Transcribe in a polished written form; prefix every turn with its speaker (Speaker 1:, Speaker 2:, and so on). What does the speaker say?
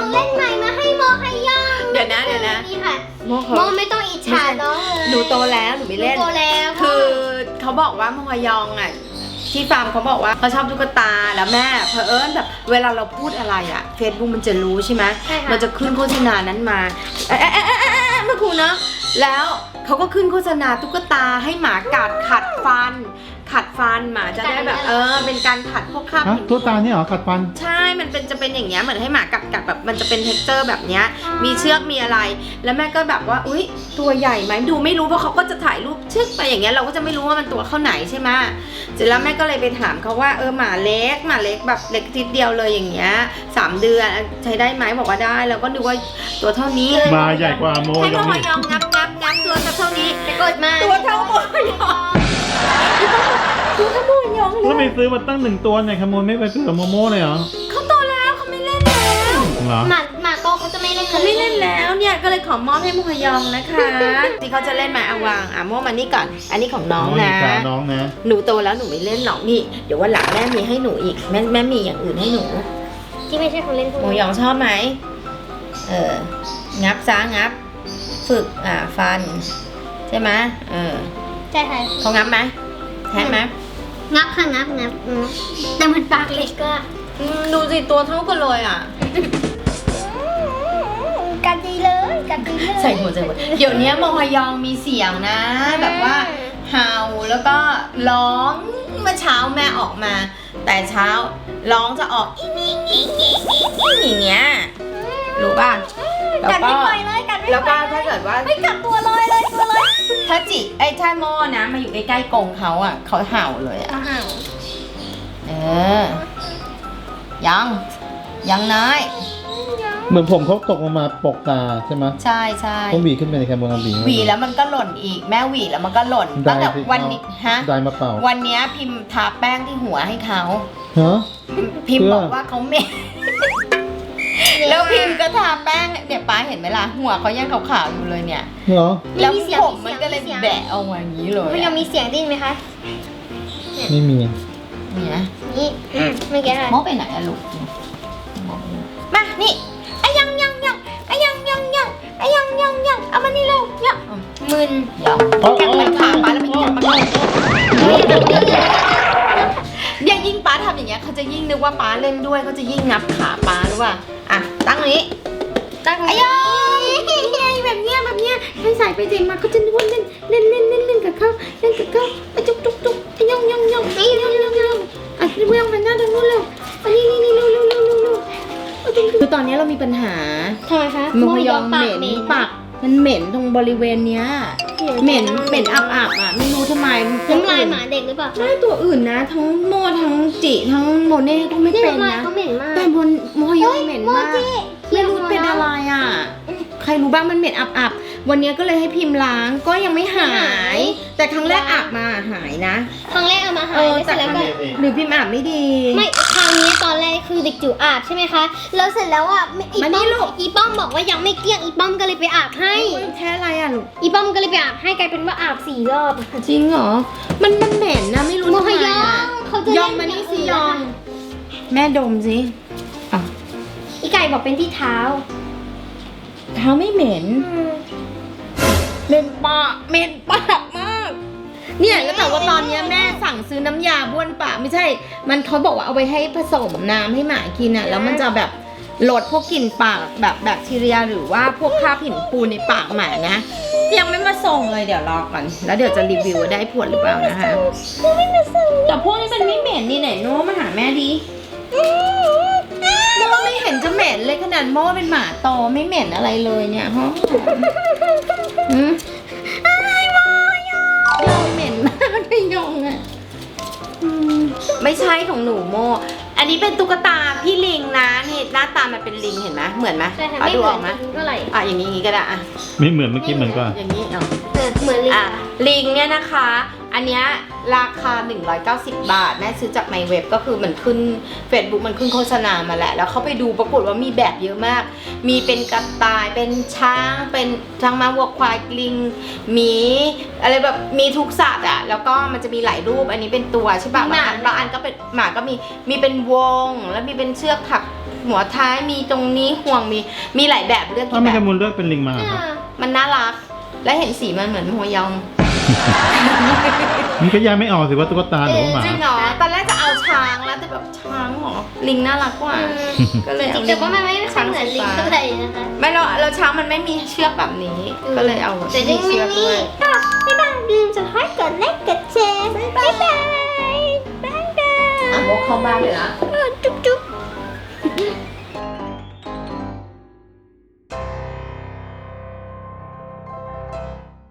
Speaker 1: เล่นใหม่มาให้โมให้ย่าง
Speaker 2: เดี๋ยวนะ
Speaker 1: นี่ค่ะ
Speaker 2: โม
Speaker 1: โมไม่ต้องอิจฉาน้องเลย
Speaker 2: หนูโตแล้วหนูไม่เล่น
Speaker 1: โตแล้ว
Speaker 2: คือเขาบอกว่าโมฮยองอ่ะที่ฟาร์มเขาบอกว่าเขาชอบตุ๊กตาแล้วแม่เผอิญแบบเวลาเราพูดอะไรอ่ะเฟซบุ๊กมันจะรู้ใช่ไหมมันจะขึ้นโฆษณานั้นมาเมื่อครูเนาะแล้วเขาก็ขึ้นโฆษณาตุ๊กตาให้หมากัดขัดฟันหมาจะได้แบบเป็นการขัดพวกคราบหิน
Speaker 3: ตัวตาเนี่ยเหรอขัดฟัน
Speaker 2: ใช่มันจะเป็นอย่างเงี้ยเหมือนให้หมากัดแบบมันจะเป็นเท็กเจอร์แบบเนี้ยมีเชือกมีอะไรแล้วแม่ก็แบบว่าอุ๊ยตัวใหญ่ไหมดูไม่รู้เพราะเขาก็จะถ่ายรูปชึกไปอย่างเงี้ยเราก็จะไม่รู้ว่ามันตัวเข้าไหนใช่ไหมเสร็จแล้วแม่ก็เลยไปถามเขาว่าหมาเล็กแบบเล็กทีเดียวเลยอย่างเงี้ย3 เดือนใช้ได้ไหมบอกว่าได้แล้วก็ดูว่าตัวเท่านี้
Speaker 3: มาใหญ่กว่าโม
Speaker 2: ให้
Speaker 3: ย
Speaker 2: โม
Speaker 3: อง
Speaker 2: ยองงับตัวเท่านี้
Speaker 1: ไปกดมา
Speaker 2: ตัวเท่าโมยองตัวเท่าโมยองเล
Speaker 3: แล้วไม่
Speaker 2: ย
Speaker 3: ซื้อมาตั้ง1 ตัวเนี่ยขโมยไม่ไปซื้อกับโมโม่เลยเหรอ
Speaker 2: เขาโตแล้วเขาไม่เล่นแล้ว
Speaker 3: เหรอ
Speaker 1: หมาโตเขาจะไม่เล่น
Speaker 2: เขาไม่เล่นแล้วเนี่ยก็เลยขอมอบให้โมฮยองนะคะที่เขาจะเล่นมาเอาวางโมมานี่ก่อนอันนี้ของน้องนะ
Speaker 3: น้องนะ
Speaker 2: หนูโตแล้วหนูไม่เล่นหรอกนี่เดี๋ยววันหลังแม่มีให้หนูอีกแม่มีอย่างอื่นให้หนู
Speaker 1: ที่ไม่ใช่ของเล่นพวก
Speaker 2: โม
Speaker 1: นี้
Speaker 2: ยองชอบไหมงับซ้างับฝึกฟันใช่ไหม
Speaker 1: ใช่ค่ะ
Speaker 2: เขางับไหมแท้ไหม
Speaker 1: งับค่ะงับแต่มันปากเล็กก็
Speaker 2: ดูสิตัวเท่ากันเลยอ่ะ
Speaker 1: กันดีเลย
Speaker 2: ใส่หัวเดี๋ยวนี้โมฮยองมีเสียงนะ แบบว่าเห่าแล้วก็ร้องเมื่อเช้าแม่ออกมา แต่เช้าร้องจะออกอีอย่างเงี้ยรู้ป่ะ
Speaker 1: กัดไม่ปล่อยเลยกัดไม่
Speaker 2: แล้ว
Speaker 1: ป
Speaker 2: ก็
Speaker 1: ล่อย
Speaker 2: ถ้าเกิดว่า
Speaker 1: ไม่กัดตัวลอยเลยตัวลอย
Speaker 2: ถ้าถ้าโมนะมาอยู่ใกล้ๆกรงเขาอ่ะเขาเห่าเลยอ่ะ
Speaker 1: ห่าว
Speaker 2: ยังน้อย
Speaker 3: เหมือนผมเขาตกลงมาปกตาใช่ไหม
Speaker 2: ใช่
Speaker 3: ต้องหวีขึ้นไปในแคมบนหวี
Speaker 2: หวีแล้วมันก็หล่นอีกแม่หวีแล้วมันก็หล่นตั้งแต่วันนี้ฮะ
Speaker 3: ได้มาเปล่า
Speaker 2: วันนี้พิมพ์ทาแป้งที่หัวให้เขา
Speaker 3: ฮะ
Speaker 2: พิมพ์
Speaker 3: เพื่อ
Speaker 2: บอกว่าเขาเหม็นแล้วพิมพ์ก็ทาแป้งเนี่ยป้าเห็นไหมล่ะหัวเขายังขาวๆอยู่เลยเนี่ย
Speaker 3: เหรอ
Speaker 2: แล้วผมมันก็เลยแบะออกมาอย่างนี้เลย
Speaker 1: มันยังมีเสียงดิ้นไหมคะ
Speaker 3: ไม่มี
Speaker 2: เนี่ย
Speaker 1: นี่เมื่อกี้ค่ะ
Speaker 2: มอไปไหนอะลูกมานี่ยังเอามานี่เร็วเนี่ยมึนเดี๋ยวกัดมันขาป้าแล้วมันกัดมันอย่ายิ่งป้าทำอย่างเงี้ยเขาจะยิ่งนึกว่าป้าเล่นด้วยเขาจะยิ่งงับขาป้าหรือว่าตั้งนี้แบบเนี้ยให้ใส่ไปเจมาเขาจะนึกว่าเล่นกับเขาจุกย่องเรื่องมันหน้าตรงนู้นเลยนี่คือตอนนี้เรามีปัญหา
Speaker 1: ทำไมคะ
Speaker 2: โมฮยองเหม็นปากมันเหม็นตรงบริเวณเนี้ยเหม็นอับไม่รู้ทำไม
Speaker 1: น้ำลายหมาเด็กหรือเปล่า
Speaker 2: ไม่ตัวอื่นนะทั้งโมทั้งจิทั้งโมเน่ก็ไม่เป็น
Speaker 1: น้ำลาย
Speaker 2: นะ
Speaker 1: เขาเหม็นมาก
Speaker 2: แต่บนโมฮยองเหม็นมากไม่รู้เป็นอะไรอ่ะใครรู้บ้างมันเหม็นอับวันนี้ก็เลยให้พิมพ์ล้างก็ยังไม่หาย แต่ครั้งแรกอาบมาหายนะ
Speaker 1: ครั้งแรกเอามาหายแล้วเสร็จแล้วก็
Speaker 2: หรือพิมพ์อาบไม่ดี
Speaker 1: ไม่คราวนี้ตอนแรกคือเด็กจิ๋วอาบใช่ไหมคะแล้วเสร็จแล้วอีป้อมบอกว่ายังไม่เกลี้ยงอีป้อมก็เลยไปอาบให้
Speaker 2: แค่อะไรอ่ะลูก
Speaker 1: อีป้อมก็เลยไปอาบให้กลายเป็นว่าอาบ4 รอบ
Speaker 2: จริงเหรอมันเหม็นนะไม่รู้
Speaker 1: โม
Speaker 2: ทำ
Speaker 1: ฮ
Speaker 2: ไม
Speaker 1: ยอง
Speaker 2: อ่ะ
Speaker 1: เขาจะ
Speaker 2: ยองมานี่สิยอง แม่ดมสิ
Speaker 1: อีไก่บอกเป็นที่เท้า
Speaker 2: เท้าไม่เหม็นเหม็นปากมาก เนี่ยแล้วแต่ว่าตอนนี้แม่สั่งซื้อน้ำยาบ้วนปากไม่ใช่ มันเขาบอกว่าเอาไปให้ผสมน้ำให้หมากินอ่ะแล้วมันจะแบบลดพวกกลิ่นปากแบบแบคทีเรียหรือว่าพวกคราบหินปูนในปากหมานะยังไม่มาส่งเลยเดี๋ยวรอก่อนแล้วเดี๋ยวจะรีวิวว่าได้ผลหรือเปล่านะคะแต่พวกนี้มันไม่เหม็นนี่ไหนโน้มาหาแม่ดีโม่ไม่เห็นจะเหม็นเลยขนาดโม่เป็นหมาโตไม่เหม็นอะไรเลยเนี่ยฮะยองเหม็นมากไม่ยองอ่ะไม่ใช่ของหนูโมอันนี้เป็นตุ๊กตาพี่ลิงนะนี่หน้าตามันเป็นลิงเห็นไหมเหมือนไหม
Speaker 1: ใช่ค่ะ
Speaker 2: ดูออกไหม
Speaker 1: เท่าไหร่
Speaker 2: อย่างนี้ก็ได้
Speaker 3: ไม่เหมือนเมื่อกี้เหมือนก่อน
Speaker 2: อย่างนี้
Speaker 1: เหมือนลิง
Speaker 2: ลิงเนี่ยนะคะ อันเนี้ยราคา190 บาทแม่ซื้อจากในเว็บก็คือมันขึ้น Facebook มันขึ้นโฆษณามาแหละแล้วเขาไปดูปรากฏว่ามีแบบเยอะมากมีเป็นกระต่ายเป็นช้างเป็นช้างม้าวัวควายลิงหมีอะไรแบบมีทุกสัตว์อ่ะแล้วก็มันจะมีหลายรูปอันนี้เป็นตัวใช่ป่ะบางอันก็เป็นหมาก็มีเป็นวงแล้วมีเป็นเชือกถักหัวท้ายมีตรงนี้ห่วงมีหลายแบบเลือก
Speaker 3: ถ้า
Speaker 2: กี่
Speaker 3: ไม่
Speaker 2: แบ
Speaker 3: แค
Speaker 2: บ
Speaker 3: มูลเลือกเป็นลิงมาครับ
Speaker 2: มันน่ารัก และเห็นสีมันเหมือนหัวยอง
Speaker 3: มันก็แยกไม่ออกสิว่าตุ๊กตาหรือว่าหมา
Speaker 2: จริงเหรอตอนแรกจะเอาช้างแล้วแต่แบบช้างเหรอลิงน่ารักกว่า ก็เลย
Speaker 1: จ
Speaker 2: เอา
Speaker 1: ริงๆแต่ว่ามันไม่ค่อยเหมือนลิงเท่าไหร่นะคะ
Speaker 2: ไม่เราช้างมันไม่มีเชือกแบบนี้ ก็เลยเอา
Speaker 1: แต่ยังไม่
Speaker 2: เชือก
Speaker 1: มี
Speaker 2: ด้วย
Speaker 1: ก็บ๊ายบายลืมจะให้กดไลค์กดแชร์บ๊ายบายบ๊ายบาย
Speaker 2: อ่ะโมเข้าบ้านเลยนะ
Speaker 1: บ๊